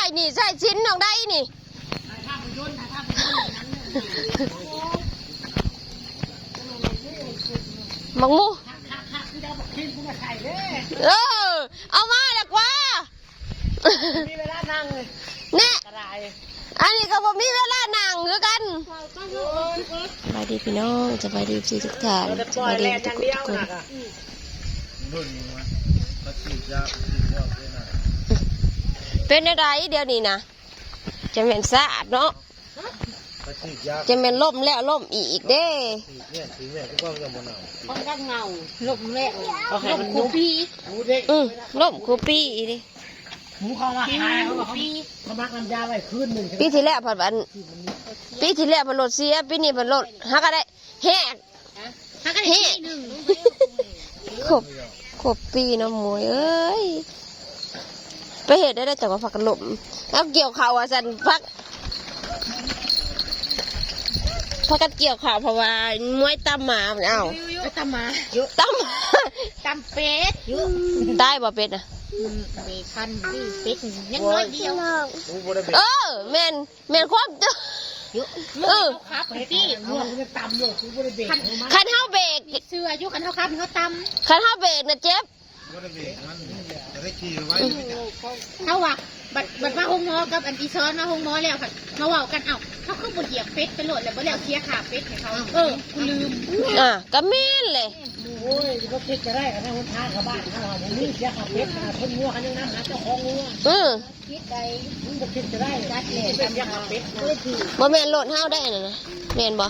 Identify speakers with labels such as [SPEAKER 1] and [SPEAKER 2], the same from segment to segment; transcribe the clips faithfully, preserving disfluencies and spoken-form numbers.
[SPEAKER 1] นี่ใส่ชิ้นน้องได้นี่มังมูเออเอามาดีกว่ามีเวลานั่งเนี่ยอันนี้ก็บอกมีเวลานั่งเหมือนกันสบายดีพี่น้องสบายดีพี่ทุกท่านสบายดีทุกคนเป็นอะไรเดี๋ยวนี้นะจะเป็นสะอาดเนาะจะเป็นล่มแล้วล่มอีกเด้
[SPEAKER 2] มันก็เงาล่มแล้วล่มคูปี
[SPEAKER 1] อืมล่มคูปีดิ
[SPEAKER 2] หมูเขามาขายเขาปีเขามักน้ำยาไว้คืนหนึ่ง
[SPEAKER 1] ปีที่แล้วผัดวันปีที่แล้วผัดรถเสียปีนี้ผัดรถฮักก็ได้แหก
[SPEAKER 2] ฮักก็ได้ปีหนึ่ง
[SPEAKER 1] ขบขบปีน้ำมวยเอ้ยไปเห็ดได้ได้แต่ว่าผักกระหล่มแล้วเกี่ยวข่าวอ่ะสันพักพักกันเกี่ยวข่าวเพราะว่ามวยตำหมาเอ้า
[SPEAKER 2] ตำหมา
[SPEAKER 1] ตำหมา
[SPEAKER 2] ตำเป็ด
[SPEAKER 1] ได้บ่เป็ดอ่ะ
[SPEAKER 2] เบคันนี่เป็ดยังน้อยเดียว
[SPEAKER 1] เออแม่นแม่นความเจ้า
[SPEAKER 2] เออครับพี่ตำเลย
[SPEAKER 1] คันเท้าเบรก
[SPEAKER 2] เสื้อยุคันเท้าครับเขาตำ
[SPEAKER 1] คันเท้าเบรกนะเจ็บ
[SPEAKER 2] เขาว่าบัดบัดมาหงมอกับอันอีซ้อนมาหงมอแล้วค่ะมาว่ากันเอ้าเขาขึ้นบนเหยียบเป็ดไปโหลดแล้วบ่แล้วเคลียร์ขาเป็ดให้เขาเออกูลืม
[SPEAKER 1] อ่ะก็แม่นเลย
[SPEAKER 2] โอ้ยก็คิดจะได้กันนะคนทางกับบ้านเขาว่าผมนี่เคลียร์ขาเป็ดนะคนงัวกันยังน้ำหาเจ้าของงัว
[SPEAKER 1] อือ
[SPEAKER 2] คิดใจมึงบ่คิดจะได้จัดเลยเคลียร์ขาเป็ดเลยคือ
[SPEAKER 1] บ่แม่นโหลดเฮาได้น่ะนะแม่นบ่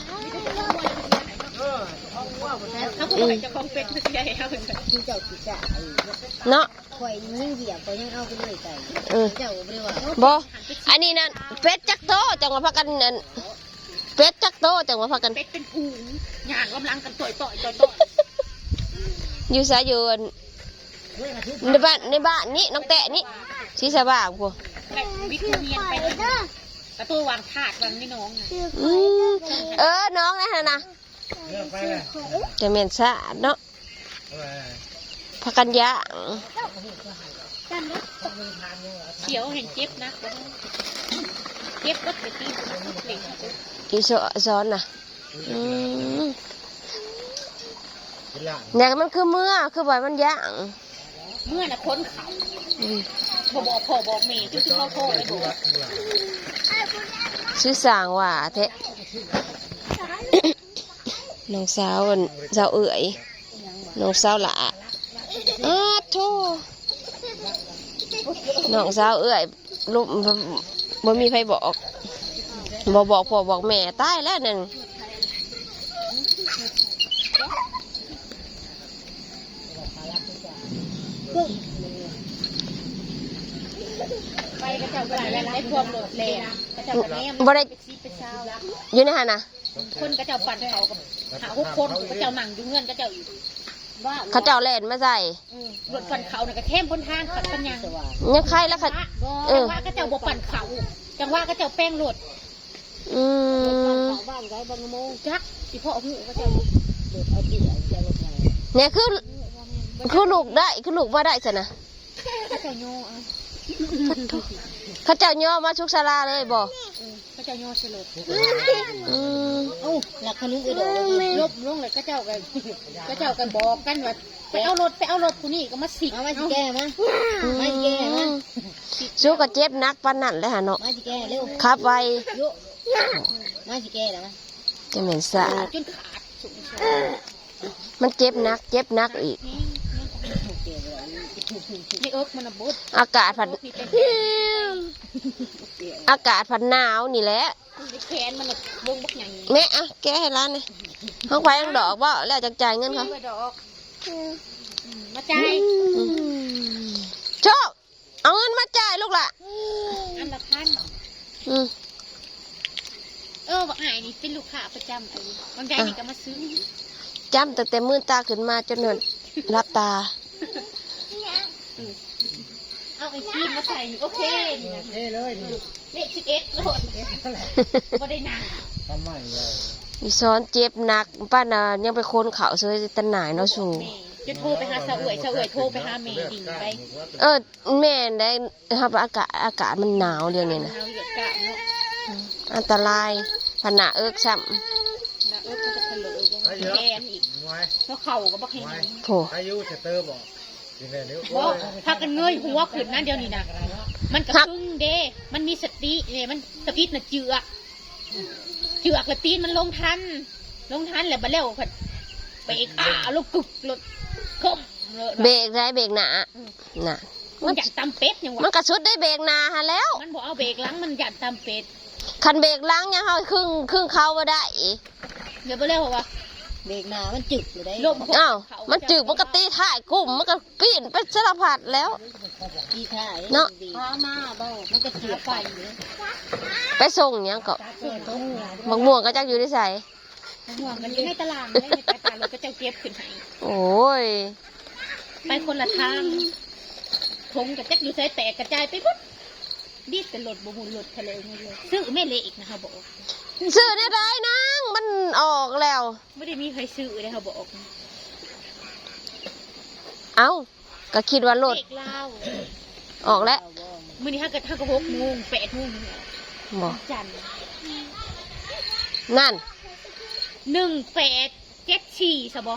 [SPEAKER 2] เขาบอกว่าจะคงเป็ดไม่ใช่เขาเป็นแบบที่เจ้าที่จ่า
[SPEAKER 1] เนาะ
[SPEAKER 2] ข่อยยิ่งเหยียบก็ยังเอาไปเลยไก่เจ้าบ่ได้ว่า
[SPEAKER 1] บ่อันนี้นั่นเป็ดจักโตจังว่าพากันนั่นเป็ดจักโตจังว่าพากัน
[SPEAKER 2] เป็ดเป็นผูงหยางกำลังกันต่อยต่อยต่อยต่อย
[SPEAKER 1] อยู่ซะอยู่ในบ้านในบ้านนี้น้องแตะนี่สิสบายพวก
[SPEAKER 2] วิกเมียนไปกระตัววางถาดวางนี่น้อง
[SPEAKER 1] เออน้องนะฮะนะจะเหม็นสะอาดเนาะพักกันยะ
[SPEAKER 2] เขียวเห็นเจ็บนะเจ็บก็ไปตีเหล็ก
[SPEAKER 1] อีซ้อนน่ะเนี่ยมันคือเมื่อคือบ่อยมันย่าง
[SPEAKER 2] เมื่อน่ะค้นเขาพอบอกพอบอกเมย์ที่เขาโทรไปบอก
[SPEAKER 1] ชื่อสางว่าเทะน้องสาวสาวเอ๋ยน้องสาวหล่าอ้าโธ่น้องสาวเอ๋ยลูกบ่มีใครบอกบ่บอกพ่อบอกแม่ตายแล้วนั่น
[SPEAKER 2] ไปกระเจ้าไปแล้วไอ้พวกโดดเลยกระเจ้าแม่
[SPEAKER 1] บ่ได้อยู่ในหันนะ
[SPEAKER 2] คนกระเจ้าปั่นเขากับหาหกคนกระเจ้าหนังดูเงินกระเจ้าอยู่
[SPEAKER 1] เขาเจ้าเล่นมาใส่
[SPEAKER 2] รถปั่นเขาเนี่ยกระเท่มบนทางขัดปัญญา
[SPEAKER 1] ยังใครแล้วค่ะ
[SPEAKER 2] จังว่ากระเจ้าบกปั่นเขาจังว่ากระเจ้าแป้งรถ
[SPEAKER 1] อืม
[SPEAKER 2] บ้านไรบางโมงจักที่พ่อหูกระเจ้า
[SPEAKER 1] เนี่ยคือคือลูกได้คือลูกมาได้สินะ
[SPEAKER 2] กระเจ้าโย่
[SPEAKER 1] เขาเจ้าย่อมาชุกศาลาเลยบ่
[SPEAKER 2] กระเจ้าโย่เฉลิม
[SPEAKER 1] อืม
[SPEAKER 2] โอ้หลักขนุนกระโดดลบลงเลยกระเจ้ากันกระเจ้ากันบอกกันว่าไปเอารถไปเอารถคนนี้ก็มาสิเอามาสิแก่มามาสิแก่มา
[SPEAKER 1] สู้กับเจ็บนักปานนั่นเลยฮะเนาะ
[SPEAKER 2] มาสิแก่เร็ว
[SPEAKER 1] ขับไว
[SPEAKER 2] มาสิแก่แล้ว
[SPEAKER 1] จะเหม็นสะอาด
[SPEAKER 2] จนขาด
[SPEAKER 1] มันเจ็บนักเจ็บนักอีกอากาศผัดอากาศผัดหนาวนี่แหละแม่อะแกให้ร้านเลยห้องไฟห้องดอกว่าแล้วจะจ่ายเงินเขา
[SPEAKER 2] มาจ่าย
[SPEAKER 1] ชอบเอาเงินมาจ่ายลูกละ
[SPEAKER 2] อันละพันเออบอกหายนี่เป็นลูกค้าประจำไอ้บางใจนี่ก็มาซื้อ
[SPEAKER 1] จำแต่แต่มือตาขึ้นมาจนหนรับตา
[SPEAKER 2] เอาไอ้กีนมาใส่โอเค
[SPEAKER 3] เท่เลย
[SPEAKER 2] เลขสิบเอ็ดโลดก็ได้นาน
[SPEAKER 3] ทำไมเลย
[SPEAKER 1] อีซ้อนเจ็บหนักป้าน่ะยังไปค้นเขาเสยตันหนายเนาะสู
[SPEAKER 2] จะโทรไปหาสาวเอ๋ยสาวเอ๋ยโทรไปหาเมย์ดิ่งไป
[SPEAKER 1] เออแม่นได้ครับอากาศอากาศมันหนาวเดี๋ยวนี้นะ
[SPEAKER 2] เอาเหยียดกะเนาะ
[SPEAKER 1] อันตรายผนาเอิกซ้
[SPEAKER 2] แล้วเออก็จะเผลอแกนอีก
[SPEAKER 3] งวย
[SPEAKER 2] แล้วเข่าก็บักให้หนี
[SPEAKER 1] ำโถ
[SPEAKER 3] อายุจะเติมบอกกินเลยนิ้ว
[SPEAKER 2] บ่ถ้ากันเงยหัวขึ้นนั่นเดียวนี่นะมันกระพึ่งเด้มันมีสติเนี่ยมันสติน่ะเจือกเจือกและตีนมันลงทัน ลงทันแล้วบัดแล้วผัดไปอีกอ่าลูกกึกรถคมเลย
[SPEAKER 1] เบรกได้เบรกหนาน่ะ
[SPEAKER 2] มันอยากตำเป็ดยัง
[SPEAKER 1] มัน
[SPEAKER 2] วะ
[SPEAKER 1] กระชุดได้เบรกหนาฮะแล้ว
[SPEAKER 2] มันบอกเอาเบรกหลังมันอยากตำเป็ด
[SPEAKER 1] คันเบรกหล้างยังเขาครึ่งครึ่งเขาบ่ได้
[SPEAKER 2] เดี๋ยวไปเรียกว่า
[SPEAKER 4] เบรกหนามันจึกอยู่ได้
[SPEAKER 2] ลม
[SPEAKER 1] อ้าวมันจึกมันก็ตีถ่ายกุ้มมันก็ปีนไปสารพัดแล้ว
[SPEAKER 4] ดีท่าย
[SPEAKER 1] เนาะ
[SPEAKER 4] พามาเบ้ามันก็เจือกไปอยู่
[SPEAKER 1] ไปส่งหยังก็มะม่วงก็จักอยู่ที่ใส่
[SPEAKER 2] ห่วงกันอยู่ในตารางเลยในตารางเราก็จะเก็บขึ้นให้
[SPEAKER 1] โอ้ย
[SPEAKER 2] ไปคนละทางทงกับจักอยู่ใส่แตกกระจายไปปุ๊บดีดแต่หลดบุหุนหลดทะเลไม่เลยซื้อแม่เละอีกนะคะบอก
[SPEAKER 1] ซื้อเนี่ยได้นางมันออกแล้ว
[SPEAKER 2] ไม่ได้มีใครซื้อเลยค่ะบอก
[SPEAKER 1] เอ้าก็คิดว่าโหลด
[SPEAKER 2] เด็กเล่า
[SPEAKER 1] ออกแล้ว
[SPEAKER 2] มื่อนี้ถ้าเกิดถ้าก็หกโมงแปดโมง
[SPEAKER 1] บอก
[SPEAKER 2] จันทร์
[SPEAKER 1] นั่น
[SPEAKER 2] หนึ่งแปดเจ็ดสี่สบอ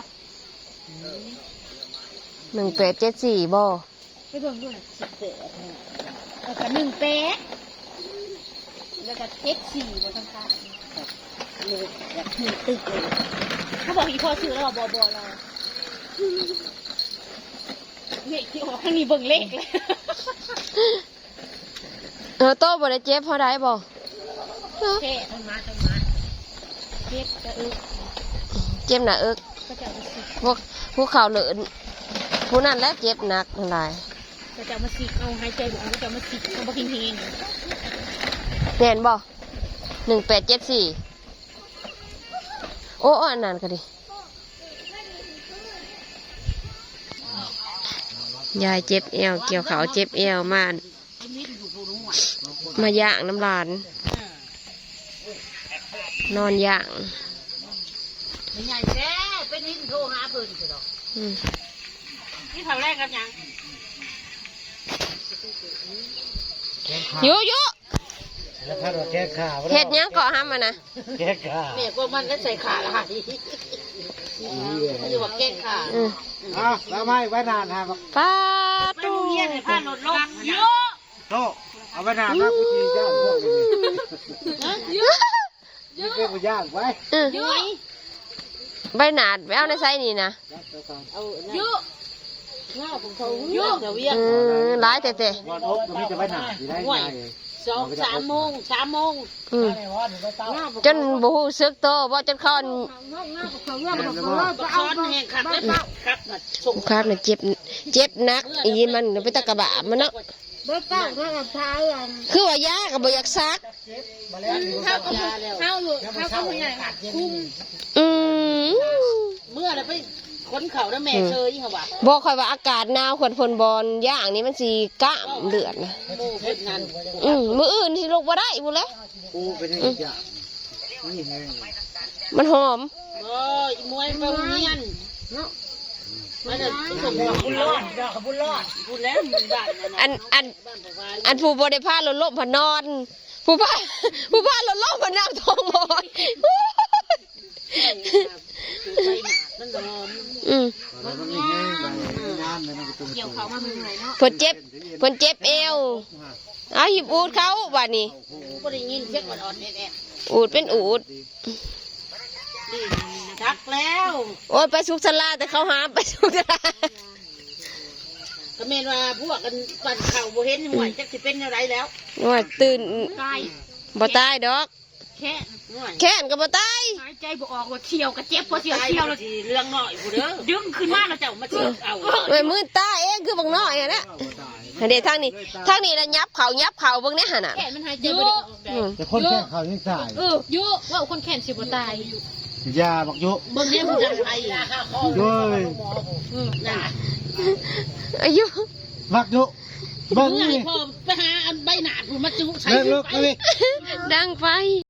[SPEAKER 1] หนึ่งแปดเจ็ดสี่บ่
[SPEAKER 2] ไปเบิ่งด้วย
[SPEAKER 4] สิบแปด
[SPEAKER 2] แล้วก็หนึ่งแปดแล้วก็เจ็ดสี่บนข้าง
[SPEAKER 4] เลยอยากขึ้นตึกเลย
[SPEAKER 2] ๆเขาบอกอีพ่อซื้อแล้วบอบอเราเลขที่ออกข้างนี้เบิ่งเลขเลย
[SPEAKER 1] เออโต้บ่ได้เจ็บเพราะได้บ่
[SPEAKER 2] แค่ต้นมาต้นมาเจ็บจะอึก
[SPEAKER 1] เจ็บหนาเอิก
[SPEAKER 2] ก็จะเอามาสิ
[SPEAKER 1] พวกผู้ข่าวเหลินผู้นั้นแหล้วเจ็บหนักทั้งหลาย
[SPEAKER 2] ก็จะเอามาสิเอาหายใจบุกก็จะเอามาสิเอามาพิงพิง
[SPEAKER 1] แน่นบ่หนึ่งแปดเจ็ดสี่โอ้อ้ออันนั้นก็ดิยายเจ็บเอวเกี่ยวเขาเจ็บเอวมามาย่างน้ำลาน นอนย่าง
[SPEAKER 4] ไม่ใหญ่แท้เป็นนินโทรหาเพิ่นสิดอก
[SPEAKER 1] อืม
[SPEAKER 2] นี่ทำแรกกับยัง
[SPEAKER 1] ยุยุ
[SPEAKER 3] แล้วถ้าเราแก้ข่าว
[SPEAKER 1] เห็ดหยังเกาะห้ามมานะ
[SPEAKER 3] แก้ข่าว
[SPEAKER 4] แม่ก็มันก็ใส่ขาละค่ะมันจะว่าแก้ขา
[SPEAKER 1] อืม
[SPEAKER 3] อ้าวแล้วไม่ไว้นานฮะ
[SPEAKER 1] ป้า
[SPEAKER 2] ไป
[SPEAKER 1] ตู
[SPEAKER 2] โรงเรียนเลยพาลดลงเยอะ
[SPEAKER 3] โตเอาไว้นานนะกูจีย่างพวกนี้นี่เรียกว่าย่างไว้
[SPEAKER 1] อืม
[SPEAKER 2] เยอะ
[SPEAKER 1] ใบหนาดไปเอาในไซนี่นะ
[SPEAKER 4] เอา
[SPEAKER 2] เยอะ
[SPEAKER 4] หน้าของเขาเยอะเดี๋ยวเวียน
[SPEAKER 1] อืมร้ายแต่แต่
[SPEAKER 3] วันอบก็มีแต่ไว้นานอยู่ได้ไง
[SPEAKER 4] สองสามโมงสามโมง
[SPEAKER 1] อืม
[SPEAKER 4] หน้า
[SPEAKER 1] จนบูฮูซึกโตบ่จนคอน
[SPEAKER 4] ซ้อนแห่งขับแล้วขับน่ะส่ง
[SPEAKER 1] ครับเนี่ยเจ็บเจ็บหนักอีนมันไปตะกะบะมันเนาะ
[SPEAKER 4] เบิดเป้าเท่ากับเท้าอัน
[SPEAKER 1] คือว่ายากับบ่อยากซัก
[SPEAKER 2] เท่ากับเท่าอยู่เท่ากับผู้ใหญ่ค่ะคุ้ม
[SPEAKER 1] อืม
[SPEAKER 4] เมื่อไรไปค้นเขาแล้วแม่เชยเขาว่า
[SPEAKER 1] บอกคอยว่าอากาศหนาวขวดฝนบอลย่างนี้มันสีกล้ามเลือดนะ
[SPEAKER 4] โม่เพิ่นนั่น
[SPEAKER 1] อืมมืออื่นที่ลูกบ่ได้บุแล้ว
[SPEAKER 3] กูเป็นอย่างนี้นี่ไง
[SPEAKER 1] มันหอม
[SPEAKER 4] โอ้ยมวยไปเงียนเนาะมันจะส่งบุญรอดบุญรอดบุญแล้วบ้านนั่น
[SPEAKER 1] อันอันอันผู้บริพาลดลมพนอน ผู้พาผู้พาลดลมพนั่งท้องหมอน
[SPEAKER 4] มันหอม
[SPEAKER 1] อืม
[SPEAKER 3] แล้วมันมีไงงานมันก็ต้อง
[SPEAKER 2] เกี่ยวเขามาเมื่อยเนาะ
[SPEAKER 1] เพิ่นเจ็บเพิ่นเจ็บเอวเอาหยิบอูดเขาว่านี่
[SPEAKER 4] ก็ได้ยินเสียงอ่อนๆแอะ
[SPEAKER 1] อูดเป็นอูด
[SPEAKER 4] ๆนี่ทักแล้ว
[SPEAKER 1] โอ้ยไปสุกสลาแต่เขาหามไปสุกสลา
[SPEAKER 4] ก็เมนว่าพวกกันปั่นเข่าบ่เห็นหวยจักสิเป็นอะไรแล้ว
[SPEAKER 1] ว่าตื่น
[SPEAKER 2] ตาย
[SPEAKER 1] บ่ตายดอก
[SPEAKER 2] แค่
[SPEAKER 4] หวย
[SPEAKER 1] แค้นก็บ่ตาย
[SPEAKER 2] หายใจบ่ออกว่าเที่ยวกับเจ็บพอเที่ยว
[SPEAKER 4] ตาย
[SPEAKER 2] เที่ยว
[SPEAKER 4] แล้
[SPEAKER 2] แล้ว ว
[SPEAKER 4] ทีเรื่องน้อยผู้เด้อ
[SPEAKER 2] ดึงขึ้นมาแล้วเจ้ามาเที่ยวเอา
[SPEAKER 1] เว้ยมือตาเองคือบักน้อยอะนะเดี๋ยวทางนี้ทางนี้ละยับเขายับเขาเบิ่งแน่หั่นน่ะ
[SPEAKER 2] แขนมันหายใจบ่ได้ออกได้
[SPEAKER 1] อืม
[SPEAKER 3] แต่คนแก้ข่าวยังตาย
[SPEAKER 2] เออเยอะว่าคนแขนสิบ่ตาย
[SPEAKER 3] ยาบักยุ
[SPEAKER 4] เบิ่งเนี่ยผู้จังไทย
[SPEAKER 3] ด้วย
[SPEAKER 4] นั่น
[SPEAKER 1] อายุ
[SPEAKER 3] บักยุเบิ้ง
[SPEAKER 4] เมื่อ
[SPEAKER 3] นี่
[SPEAKER 4] ให้พ่อไปหาอันใบหนาดผู้มาจุใช้
[SPEAKER 3] เลิกเลิกเลย
[SPEAKER 1] ดังไป